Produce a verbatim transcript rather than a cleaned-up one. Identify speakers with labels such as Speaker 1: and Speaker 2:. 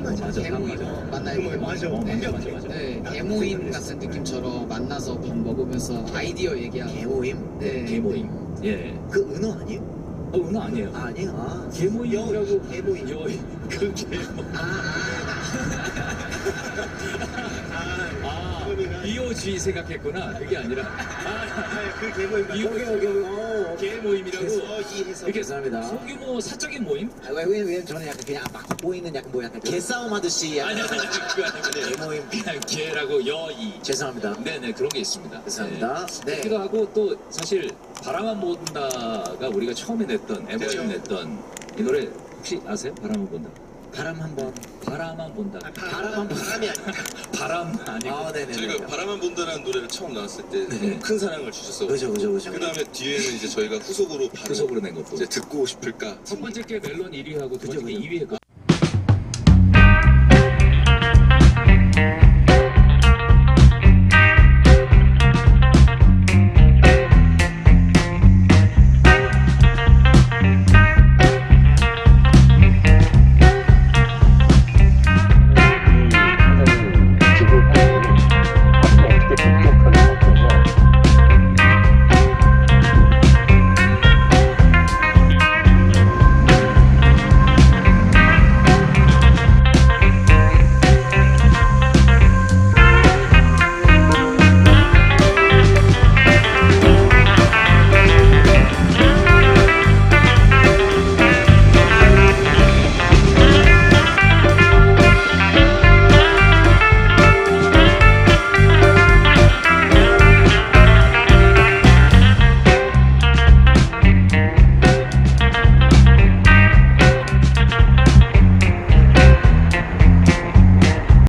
Speaker 1: 맞아.
Speaker 2: 맞아.
Speaker 1: 개모임
Speaker 2: 맞아.
Speaker 1: 만나요.
Speaker 3: 어, 맞아.
Speaker 2: 어, 맞아, 맞아,
Speaker 3: 완벽해.
Speaker 2: 맞아.
Speaker 1: 네, 개모임 같은 느낌처럼 만나서 밥 먹으면서 아이디어 얘기하고.
Speaker 3: 개모임.
Speaker 1: 네.
Speaker 2: 개모임. 예.
Speaker 3: 그 은어 아니에요?
Speaker 2: 어, 은어 아니에요.
Speaker 3: 아, 아니에요. 아.
Speaker 2: 개모임이라고.
Speaker 3: 개모임.
Speaker 2: 여, 그 개모. 아,
Speaker 3: 그러면은-
Speaker 2: 이오지 생각했구나. 그게 아니라.
Speaker 3: 아, 그 개모임.
Speaker 2: 이-
Speaker 3: 여기, 여기, 여기. 어,
Speaker 2: 개모임이라고.
Speaker 3: 해서.
Speaker 2: 이렇게
Speaker 3: 죄송합니다.
Speaker 2: 소규모 사적인 모임?
Speaker 3: 아, 왜, 왜, 왜 저는 약간 그냥 막 보이는 약간 뭐 약간 개싸움 하듯이
Speaker 2: 아니,
Speaker 3: 약간
Speaker 2: 아니, 아니, 그거 아니고.
Speaker 3: 개모임.
Speaker 2: 그냥 개라고 여이.
Speaker 3: 죄송합니다.
Speaker 2: 네네, 그런 게 있습니다.
Speaker 3: 죄송합니다.
Speaker 2: 네.
Speaker 3: 네.
Speaker 2: 그기도 하고 또 사실 바람만 본다가 우리가 처음에 냈던,
Speaker 3: 그렇죠.
Speaker 2: 엠오엠 냈던 이 노래 혹시 아세요? 바람만 본다.
Speaker 3: 바람 한번.
Speaker 2: 바람만 본다.
Speaker 3: 바람 한번. 바람이 아니고.
Speaker 2: 바람 아니고.
Speaker 3: 아, 네네.
Speaker 4: 저희가 바라만 본다라는 노래를 처음 나왔을 때
Speaker 2: 네.
Speaker 4: 너무 큰 사랑을 주셨어.
Speaker 3: 그죠, 그죠, 그죠.
Speaker 4: 그 다음에 뒤에는 이제 저희가 후속으로 바로
Speaker 2: 후속으로 낸 것도.
Speaker 4: 이제 듣고 싶을까.
Speaker 2: 첫 번째 게 멜론 일 위 하고 두
Speaker 3: 그죠,
Speaker 2: 번째 게
Speaker 3: 그죠.
Speaker 2: 이 위 했고.